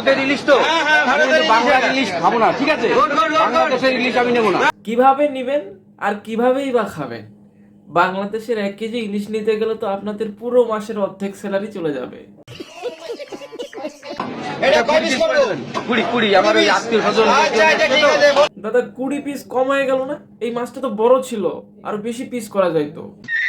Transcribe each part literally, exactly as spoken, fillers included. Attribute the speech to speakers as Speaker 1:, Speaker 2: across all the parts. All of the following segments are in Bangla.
Speaker 1: ভারতের ইলিশ তো আমি কিন্তু বাংলার ইলিশ খাবো না, ঠিক আছে? বাংলাদেশের ইলিশ আমি নেবো না।
Speaker 2: কিভাবে নিবেন আর কিভাবেই বা খাবেন? বাংলাদেশের এক কেজি ইলিশ নিতে গেলে তো আপনাদের পুরো মাসের অর্ধেক স্যালারি চলে যাবে।
Speaker 1: কুড়ি কুড়ি আমার ওই আত্মীয় স্বজন।
Speaker 2: দাদা কুড়ি পিস কম হয়ে গেল না? এই মাছটা তো বড় ছিল, আরো বেশি পিস করা যাইতো।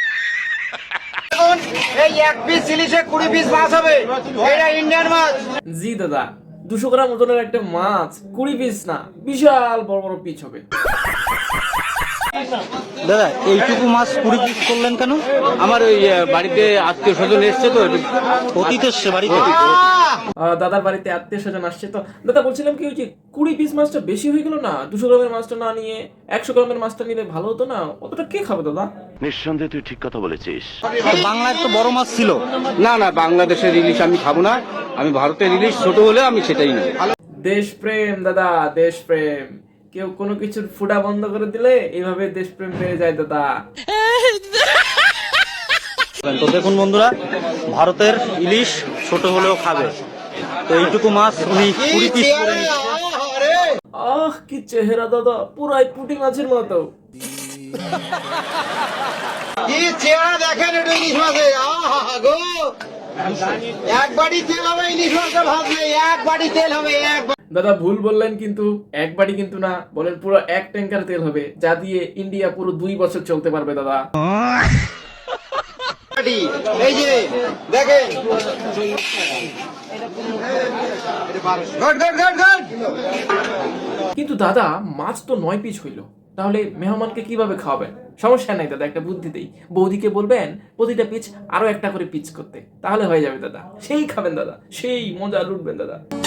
Speaker 1: এই এক পিস ইলিশে কুড়ি পিস মাছ হবে, এটা ইন্ডিয়ান মাছ।
Speaker 2: জি দাদা, দুশো গ্রাম ওজনের একটা মাছ কুড়ি পিস না, বিশাল বড় বড় পিস হবে।
Speaker 3: দাদা এইটুকু মাছ কুড়ি পিস করলেন কেন?
Speaker 1: আমার ওই বাড়িতে আত্মীয় স্বজন এসছে তো,
Speaker 3: অতীত এসছে বাড়িতে।
Speaker 2: আহ, দাদার বাড়িতে আত্মীয় স্বজন আসছে তো। দাদা বলছিলাম কি, ওই যে কুড়ি পিস মাছটা বেশি হয়ে গেল না? দুশো গ্রামের মাছটা না নিয়ে একশো গ্রামের মাছটা নিলে ভালো হতো না? অতটা কে খাবে দাদা?
Speaker 4: নিঃসন্দেহে তুই ঠিক কথা বলেছিস।
Speaker 3: বাংলায় তো বড় মাছ ছিল।
Speaker 1: না না, বাংলাদেশের ইলিশ আমি খাবো না, আমি ভারতের ইলিশ ছোট হলে আমি সেটাই নেব।
Speaker 2: দেশপ্রেম দাদা, দেশপ্রেম। কেউ কোনো কিছুর ফুটা বন্ধ করে দিলে এইভাবে দেশপ্রেম বেড়ে যায় দাদা।
Speaker 3: তো দেখুন বন্ধুরা, ভারতের ইলিশ ছোট হলেও খাবে, তো এইটুকু মাছ উনি কুড়ি পিস করে নিচ্ছে।
Speaker 2: আহ কি চেহারা দাদা, পুরাই পুঁটি মাছের মতো।
Speaker 5: কি চেহারা দেখেন এটা ইলিশ মাছের, আহা গো, এক বাড়ি তেল হবে ইলিশ মাছের ভাবলে, এক বাড়ি তেল হবে, এক
Speaker 2: দাদা ভুল বললেন কিন্তু, এক বাড়ি কিন্তু না, বলেন পুরো এক ট্যাঙ্কার তেল হবে, যা দিয়ে ইন্ডিয়া পুরো দুই বছর চলতে পারবে দাদা।
Speaker 5: বাড়ি। এই যে দেখেন, গট গট গট গট।
Speaker 2: কিন্তু দাদা মাছ তো নয় পিস হইলো, তাহলে মেহমানকে কিভাবে খাওয়াবেন? সমস্যা নাই দাদা, একটা বুদ্ধি দেই। বৌদিকে বলবেন প্রতিটা পিচ আরো একটা করে পিচ করতে, তাহলে হয়ে যাবে দাদা। সেই খাবেন দাদা, সেই মজা লুটবেন দাদা।